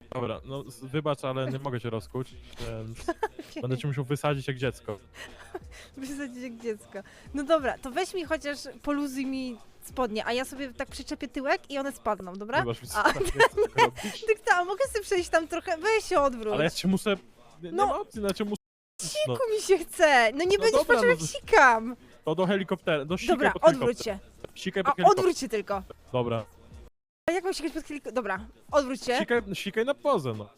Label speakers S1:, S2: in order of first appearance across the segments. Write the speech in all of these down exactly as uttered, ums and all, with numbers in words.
S1: Dobra, no z- wybacz, ale nie mogę cię rozkuć, więc będę cię musiał wysadzić jak dziecko.
S2: Wysadzić jak dziecko. No dobra, to weź mi chociaż poluzuj mi spodnie, a ja sobie tak przyczepię tyłek i one spadną, dobra?
S1: Wybacz mi, co
S2: A,
S1: tak nie chcę tego robić.
S2: tak, ta, mogę sobie przejść tam trochę, weź się odwróć.
S1: Ale ja cię muszę... Nie, nie
S2: No.
S1: ma opcji, no cię muszę... No,
S2: Siku mi się chce, no nie
S1: No
S2: będziesz
S1: dobra,
S2: patrzył jak
S1: no.
S2: sikam.
S1: to do helikoptera, do sikaj
S2: Dobra,
S1: pod
S2: odwróć
S1: helikopter.
S2: się.
S1: Sikaj
S2: A
S1: pod helikopter.
S2: odwróć się tylko.
S1: Dobra.
S2: A jak mam sikać pod helikopter? Dobra, odwróć się.
S1: Sikaj, sikaj na pozę, no.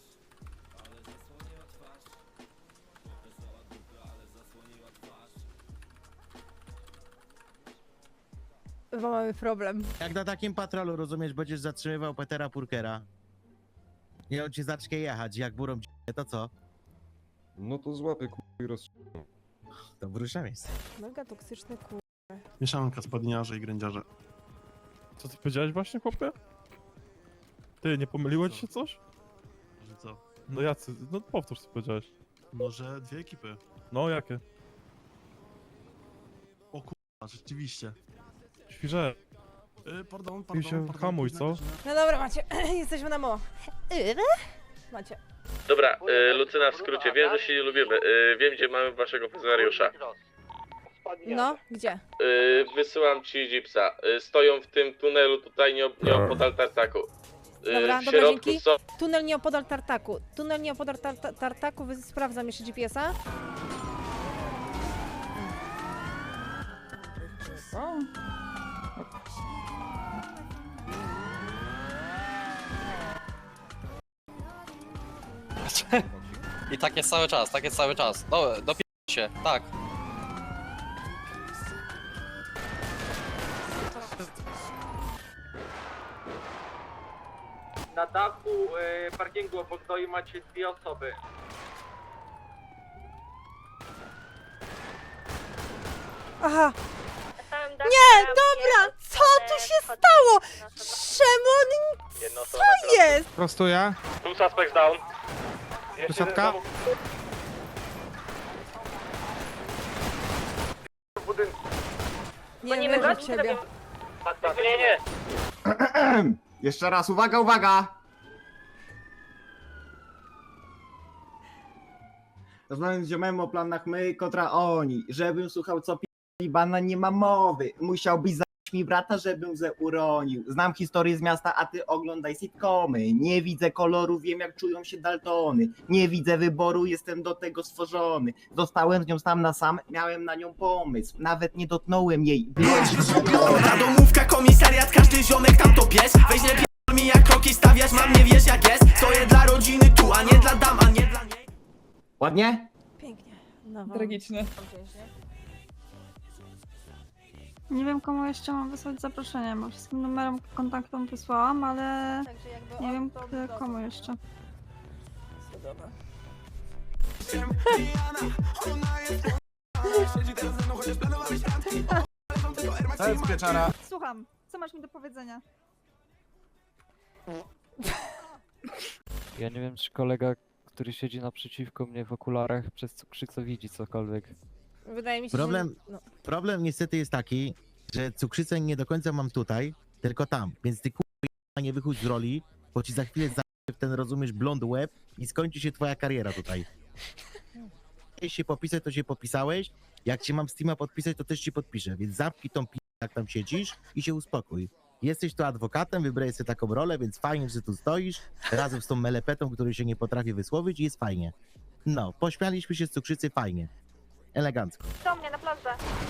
S2: Bo mamy problem.
S3: Jak na takim patrolu, rozumiesz, będziesz zatrzymywał Petera Purkera i on ci zacznie jechać, jak burą d***e, to co?
S4: No to złapie k***a i roz...
S3: To wróża miejsce.
S2: Mega toksyczny kur...
S5: Mieszanka spadniarze i grędziarze.
S1: Co ty powiedziałeś właśnie, chłopie? Ty, nie pomyliło ci się coś?
S5: Że co?
S1: No jacy, no powtórz co powiedziałeś.
S5: No, że dwie ekipy.
S1: No jakie?
S5: O kurwa, rzeczywiście.
S1: Świże.
S5: Yy, pardon,
S1: Ty
S5: pardon,
S1: się
S5: pardon.
S1: hamuj,
S5: późna
S1: co?
S5: godzina.
S2: No dobra, macie, jesteśmy na mo. Macie.
S6: Dobra, y, Lucyna w skrócie, wiem, że się nie lubimy. Y, wiem, gdzie mamy waszego funkcjonariusza.
S2: No, gdzie?
S6: Y, wysyłam ci Jeepsa. Y, stoją w tym tunelu tutaj nieop- nieopodal tartaku. Y,
S2: Dobra,
S6: w
S2: dobra,
S6: środku
S2: dzięki.
S6: są...
S2: Tunel nieopodal tartaku. Tunel nieopodal tar tar tartaku, wy- sprawdzam jeszcze G P S-a.
S7: I tak jest cały czas, tak jest cały czas. Do, dopi się, tak.
S8: Na dachu y, parkingu obok doi macie dwie osoby.
S2: Aha. Nie, dobra, co tu się stało? Czemu on... Co jest?
S9: Prostuję.
S6: Tu suspect down.
S9: Wysadka.
S2: Nie wierzę w ciebie.
S6: Nie, nie.
S9: Jeszcze raz, uwaga, uwaga! Rozmawiam z ziomem o planach my kontra oni. Żebym słuchał co pi***li bana, nie ma mowy. Musiałbyś zaś mi brata, żebym ze uronił. Znam historię z miasta, a ty oglądaj sitcomy. Nie widzę koloru, wiem jak czują się Daltony. Nie widzę wyboru, jestem do tego stworzony. Zostałem z nią sam na sam, miałem na nią pomysł. Nawet nie dotknąłem jej.
S10: Ta domówka, komisariat, każdy ziomek tam to pies. Weź nie p***l mi jak kroki stawiać, mam nie wiesz jak jest. Stoję dla rodziny tu, a nie dla dam, a nie dla niej.
S9: Ładnie?
S2: Pięknie. No,
S11: Tragiczne. Nie wiem komu jeszcze mam wysłać zaproszenie, bo wszystkim numerom kontaktom wysłałam, ale
S2: Także jakby
S11: nie
S2: on
S11: wiem
S2: to
S11: k-
S2: wygląda.
S11: komu jeszcze.
S2: Dobra.
S9: To jest pieczara.
S11: Słucham, co masz mi do powiedzenia?
S12: Ja nie wiem, czy kolega, który siedzi naprzeciwko mnie w okularach przez cukrzycę widzi cokolwiek.
S2: Wydaje mi się,
S3: Problem-
S2: że... No.
S3: Problem niestety jest taki, że cukrzycę nie do końca mam tutaj, tylko tam, więc ty kurwa nie wychódź z roli, bo ci za chwilę za w ten, rozumiesz, blond łeb i skończy się twoja kariera tutaj. Jeśli się popisać, to się popisałeś, jak cię mam Steama podpisać, to też ci podpiszę, więc zamknij tą p***, jak tam siedzisz i się uspokój. Jesteś tu adwokatem, wybrałeś sobie taką rolę, więc fajnie, że tu stoisz, razem z tą melepetą, który się nie potrafi wysłowić i jest fajnie. No, pośmialiśmy się z cukrzycy, fajnie. Elegancko.
S11: Do mnie na plażę.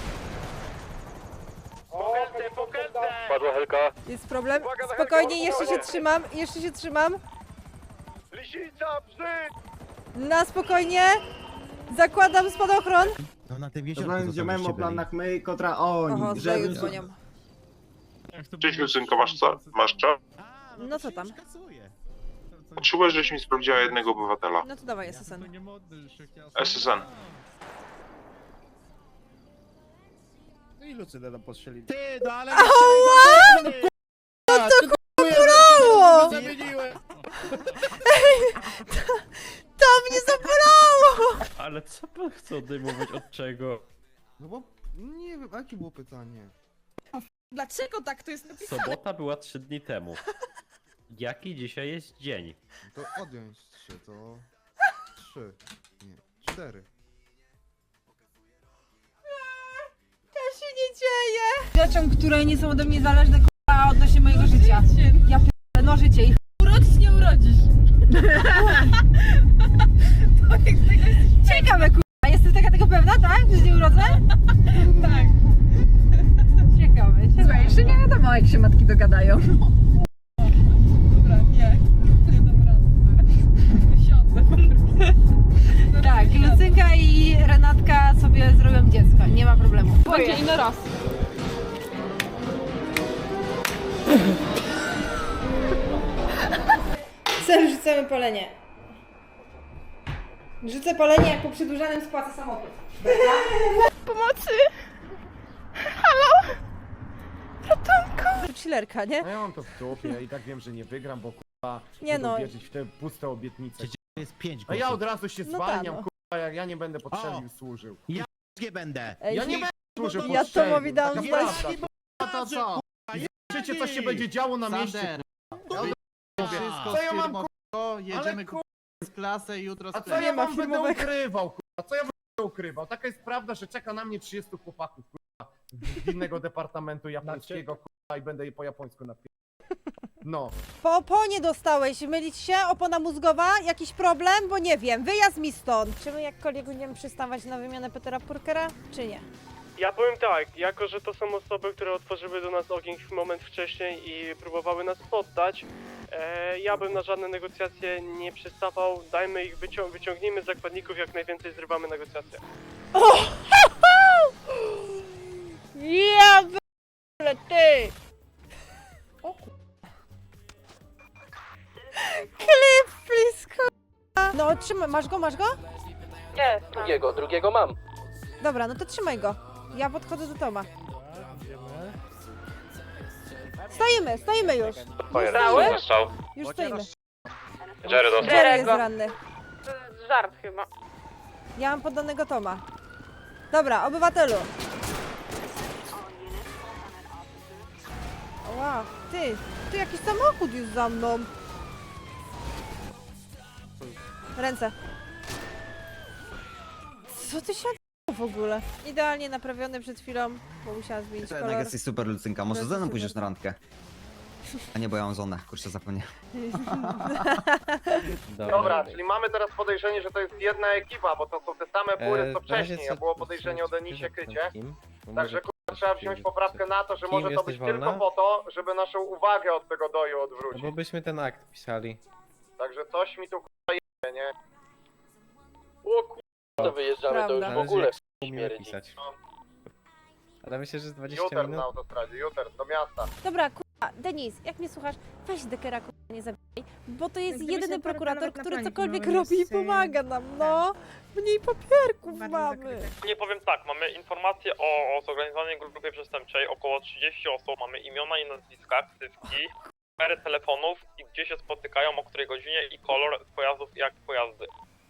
S6: Padła helka.
S2: Jest problem? Spokojnie, jeszcze się trzymam, jeszcze się trzymam.
S6: Lisica, brzyd!
S2: Na spokojnie. Zakładam spadochron.
S3: No na tym jeziorku
S9: Rozmawiam z
S3: to
S9: ziomem
S3: żeście
S9: o
S3: byli.
S9: planach my kontra oni.
S2: Oho,
S9: Żebym
S2: znowu dzwonią.
S4: Cześć Lucynko, masz co? Masz co?
S3: A,
S2: No
S3: to
S2: co
S3: się
S2: tam?
S3: już kasuje.
S4: Potrzebuję, żebyś mi sprawdziła jednego obywatela.
S2: No to dawaj, S S N.
S4: S S N.
S9: No i Lucynę tam postrzeli. Ty, no ale...
S2: Ała!
S9: No to
S2: bolało!
S9: Zamieniłem!
S2: To mnie zabolało!
S1: Ale co pan chce odejmować od czego?
S9: No bo nie wiem, jakie było pytanie?
S11: Dlaczego tak to jest napisane?
S1: Sobota była trzy dni temu.
S8: Jaki dzisiaj jest dzień?
S5: To odjąć trzy, to... trzy. Nie, cztery.
S2: To się nie dzieje! Rzeczom, które nie są ode mnie zależne, k***a, odnośnie mojego życia. Ja p***le, no życie i urodzisz, nie urodzisz. Ciekawe, k***a, jesteś taka tego pewna, tak? Że nie urodzę? Tak. Ciekawe. Słuchaj, jeszcze nie wiadomo, jak się matki dogadają. Dobra, nie. Nie dam rady. Wysiądę. Tak, Lucynka i Renatka sobie zrobią dziecko, nie ma problemu. Będzie inny raz. Cel rzucamy palenie. Rzucę palenie, jak po przedłużanym spłacę samochód. Pomocy! Halo? Ratunku! Chillerka, nie?
S8: No ja mam to w dupie i tak wiem, że nie wygram, bo kurwa
S2: Nie
S8: będą
S2: no.
S8: wierzyć w te puste obietnice.
S3: To jest pięć
S8: A ja
S3: głosów.
S8: od razu się
S2: No
S8: zwalniam,
S2: tak, no.
S8: kurwa, jak ja nie będę potrzebny służył.
S3: Nie będę.
S2: Ej,
S8: Ja nie będę służył
S2: Ja
S8: potrzebny,
S2: Tomowi dałam
S8: taka
S2: znać.
S8: prawda, kurwa, to co? Życie, coś się będzie działo na mieście, kurwa. Ja od razu mówię, co ja mam, kurwa, jedziemy z klasę i jutro A co
S2: Nie
S8: ja
S2: ma
S8: wam będę
S2: filmowego.
S8: ukrywał, kurwa, co ja będę ukrywał? Taka jest prawda, że czeka na mnie trzydziestu chłopaków, kurwa, z innego departamentu japońskiego, kurwa, i będę je po japońsku napisał. No.
S2: Po oponie dostałeś, mylić się? Opona mózgowa? Jakiś problem? Bo nie wiem, wyjazd mi stąd. Czy my jakkolwiek będziemy przystawać na wymianę Petera Purkera, czy nie?
S1: Ja powiem tak, jako że to są osoby, które otworzyły do nas ogień moment wcześniej i próbowały nas poddać, e, ja bym na żadne negocjacje nie przystawał. Dajmy ich, wycią wyciągnijmy z zakładników, jak najwięcej zrywamy negocjacje.
S2: Ja b***le, ty! O ku... Klip, blisko! No, trzymaj, masz go, masz go?
S6: Nie, drugiego, drugiego mam.
S2: Dobra, no to trzymaj go. Ja podchodzę do Toma. Stoimy, stoimy już.
S6: Stały? Strzał.
S2: Już stoimy.
S6: Jerry dostał.
S2: Jerry jest ranny.
S11: Żart chyba.
S2: Ja mam poddanego Toma. Dobra, obywatelu. Wow, ty, tu jakiś samochód już za mną. Ręce. Co ty się odbyło w ogóle? Idealnie naprawiony przed chwilą, bo musiałam zmienić kolor.
S9: Jednak jesteś super, Lucynka. Może
S2: Jesteś
S9: ze mną
S2: super.
S9: pójdziesz na randkę? A nie, bo ja mam żonę. Kurczę, zapomniałem.
S8: Dobra, czyli mamy teraz podejrzenie, że to jest jedna ekipa, bo to są te same bury co wcześniej, a było podejrzenie o Denisie Krycie. Także kurwa, trzeba wziąć poprawkę na to, że może to być tylko po to, żeby naszą uwagę od tego doju odwrócić.
S12: Bo byśmy ten akt pisali.
S8: Także coś mi tu kurwa je, nie?
S6: O kurwa, to wyjeżdżamy, to już w ogóle śmierdzi.
S12: pisać. Ale myślę, że z dwadzieścia
S8: Juters na
S12: minut.
S8: autostradzie, Juters, do miasta.
S2: Dobra, kurwa, Denis, jak mnie słuchasz, weź Dekera, kurwa, nie zabijaj, bo to jest jedyny prokurator, który cokolwiek robi i pomaga nam, no. Mniej papierków mamy.
S1: Nie powiem tak, mamy informacje o, o zorganizowanej grupie przestępczej, około trzydzieści osób, mamy imiona i nazwiska, ksywki, numery telefonów i gdzie się spotykają, o której godzinie i kolor pojazdów i jak pojazdy.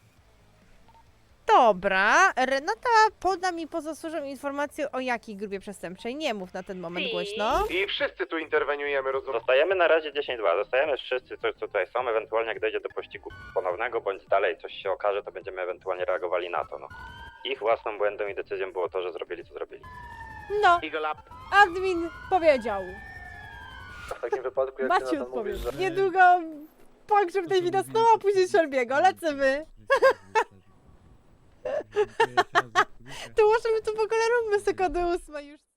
S2: Dobra, Renata poda mi poza służbą informację o jakiej grupie przestępczej. Nie mów na ten moment głośno.
S8: I wszyscy tu interweniujemy, rozumiem?
S6: Dostajemy na razie dziesięć dwa, dostajemy wszyscy, co tutaj są, ewentualnie jak dojdzie do pościgu ponownego, bądź dalej coś się okaże, to będziemy ewentualnie reagowali na to, no. Ich własną błędem i decyzją było to, że zrobili, co zrobili.
S2: No,
S8: Eagle up.
S2: admin powiedział.
S6: W takim wypadku, jak ty
S2: Maciu
S6: na to mówisz, że...
S2: odpowie. Niedługo pogrzeb Davida Snowa, a później Shelby'ego. Lecimy. To może my tu w ogóle róbmy sekundę ósma już.